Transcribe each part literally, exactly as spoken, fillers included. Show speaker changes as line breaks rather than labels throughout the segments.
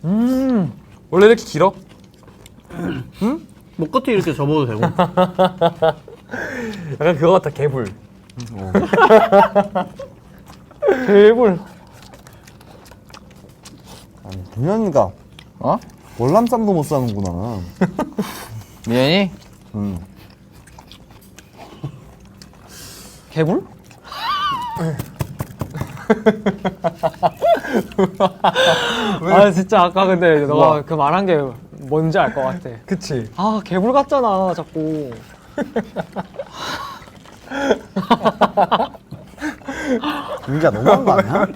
음 원래 이렇게 길어?
응? 뭐 끝에 이렇게 접어도 되고.
약간 그거 같아 개불. 어. 개불.
아니 동현이가
어?
월남쌈도 못 사는구나.
미연이?
응.
개불? 아 진짜 아까 근데 너가
뭐?
그 말한 게 뭔지 알 것 같아.
그치.
아 개불 같잖아 자꾸.
민기야 너무한 거 아니야?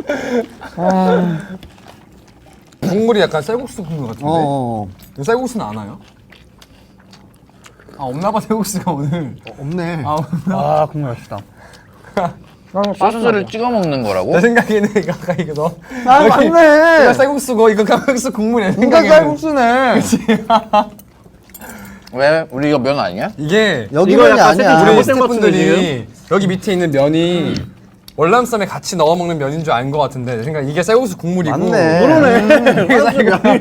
국물이 약간 쌀국수 국물 같은데?
어,
이거 쌀국수는 안 와요? 아 없나봐 쌀국수가 오늘.
어 없네.
아
아 국물 맛있다.
소스를 찍어 먹는 거라고?
내 생각에는 이거 아까 이거 너
아
이거
맞네.
쌀국수고 이거 쌀국수 국물이야. 내
민가
생각에는.
쌀국수네.
왜? 우리 이거 면 아니야?
이게
여기
이거
면이
약간
아니야.
세팅
우리
잘못된 것 같은데,
스태프분들이 여기 밑에 있는 면이 월남쌈에 같이 넣어 먹는 면인 줄 안 것 같은데 내 생각 이게 쌀국수 국물이고.
맞네.
그러네.
이게 쌀국수.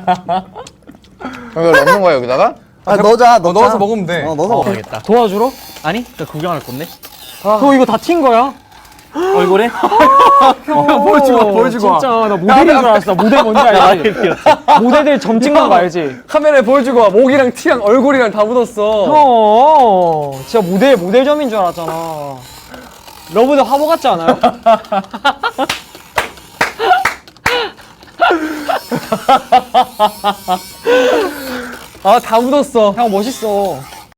이거 넣는 거야 여기다가?
아 넣자.
어, 넣어서 먹으면 돼.
어 넣어서 먹어.
먹겠다.
도와주러?
아니, 나 구경할 건데.
너 이거 다 튄 거야?
얼굴에?
보여주고 와, 보여주고 와.
진짜 나 모델인 줄 알았어. 모델 뭔지 알지? 모델들 점 찍는 거 알지?
카메라에 보여주고 와. 목이랑 티랑 얼굴이랑 다 묻었어.
형 진짜 모델 모델점인 줄 알았잖아. 러브들 화보 같지 않아요?
아 다 묻었어.
형 멋있어.